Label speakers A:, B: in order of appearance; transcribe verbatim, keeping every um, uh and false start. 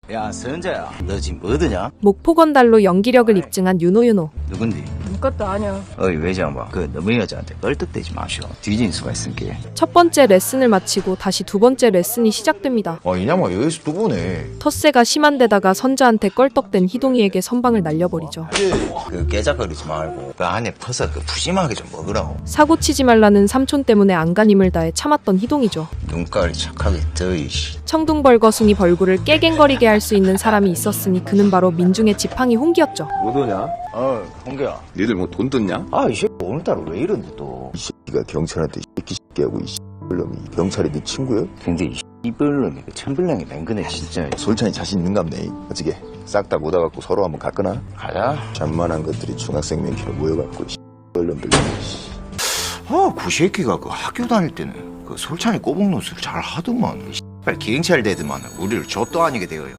A: 야 서현자야, 너 지금 뭐드냐?
B: 목포건달로 연기력을 입증한 윤호윤호.
A: 누군디?
C: 아무것도 아니야.
A: 어이 외장봐, 그 너무 여자한테 껄떡대지 마시오. 뒤진 수가 있으니까.
B: 첫 번째 레슨을 마치고 다시 두 번째 레슨이 시작됩니다.
D: 아 이냐마 여기서 또 보네.
B: 텃세가 심한 데다가 선자한테 껄떡댄 희동이에게 선방을 날려버리죠.
A: 그 깨작거리지 말고 그 안에 퍼서 그 푸짐하게 좀 먹으라고.
B: 사고치지 말라는 삼촌 때문에 안간힘을 다해 참았던 희동이죠.
A: 눈깔이 착하게 떠이씨.
B: 청둥벌거숭이 벌구를 깨갱거리게 할 수 있는 사람이 있었으니 그는 바로 민중의 지팡이 홍기였죠.
E: 못 오냐?
A: 어 홍기야.
E: 니들 뭐 돈 뜯냐?
A: 아이 새끼 오늘따라 왜 이런데 또.
D: 이 새끼가 경찰한테 이 새끼 새끼하고 이 씨발놈이 경찰이 네 친구야?
A: 근데 이 이별놈이 그 천불량이 맹근해 진짜.
D: 솔찬이 자신 있는갑네. 어찌게 싹 다 모아갖고 서로 한번 가거나.
A: 가자.
D: 잔만한 것들이 중학생 맨키로 모여갖고 이 씨발놈들.
A: 아, 그 새끼가 그 학교 다닐 때는 그 솔찬이 꼬북노수를 잘 하더만. 이 씨발 기행찰 되더만 우리를 좆도 아니게 되어요.